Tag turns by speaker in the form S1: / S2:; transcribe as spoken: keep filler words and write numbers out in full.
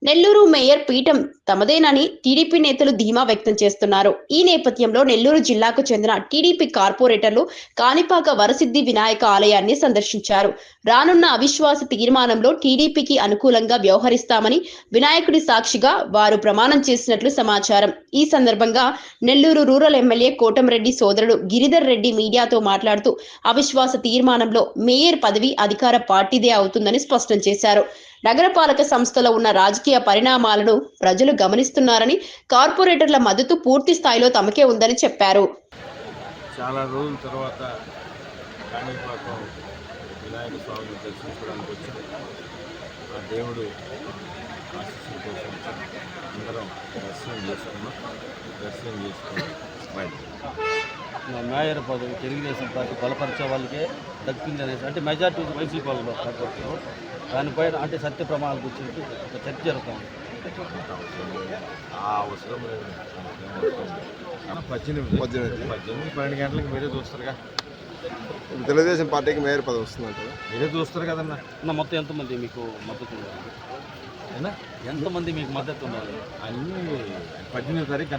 S1: Nellore mayor పీఠం తమదేనని TDP నేతలు ధీమా వ్యక్తం చేస్తున్నారు. ఈ నేపథ్యంలో నెల్లూరు జిల్లాకు చెందిన టీడీపీ కార్పొరేటర్లు కాణిపాక వరసిద్ధి వినాయక ఆలయాన్ని సందర్శించారు. రానున్న అవిశ్వాస తీర్మానంలో టీడీపీకి అనుకూలంగా వ్యవహరిస్తామని వినాయకుడి సాక్షిగా వారు ప్రమాణం చేసినట్లు సమాచారం. ఈ సందర్భంగా నెల్లూరు రూరల్ ఎమ్మెల్యే కోటంరెడ్డి సోదరుడు గిరిధర్ రెడ్డి మీడియాతో మాట్లాడుతూ అవిశ్వాస తీర్మానంలో మేయర్ పదవి అధికార పార్టీదే అవుతుందని స్పష్టం చేశారు. నగరపాలక సంస్థలో ఉన్న రాజకీయ పరిణామాలను ప్రజలు గమనిస్తున్నారని, కార్పొరేటర్ల మద్దతు పూర్తి స్థాయిలో తమకే ఉందని చెప్పారు.
S2: చాలా రోజుల తర్వాత కాణిపాకం వినాయక స్వామిని దర్శించడానికి వచ్చాం. ఆ దేవుడు ఆశీస్సుల కోసం అందరం దర్శనం చేసుకున్నాం. దర్శనం చేసుకుని బయట
S3: మేయర్ పదవి తెలుగుదేశం పార్టీ బలపరిచే వాళ్ళకే దక్కింది అనేసి అంటే మెజార్టీ వైసీపీ వాళ్ళు కాకపోతే దానిపైన అంటే సత్య ప్రమాణాల గురించి ఒక చర్చ జరుగుతుంది.
S2: ఆ అవసరం లేదు. పద్దెనిమిది పద్దెనిమిది పద్దెనిమిది పన్నెండు గంటలకు మీరే చూస్తారుగా.
S4: తెలుగుదేశం పార్టీకి మేయర్ పదవి వస్తుందంట
S2: మీరే చూస్తారు కదన్నా.
S3: అన్న మొత్తం ఎంతమంది మీకు మద్దతు ఉండాలి? ఎంతమంది మీకు మద్దతు ఉండాలి?
S2: అన్నీ పద్దెనిమిది తారీఖు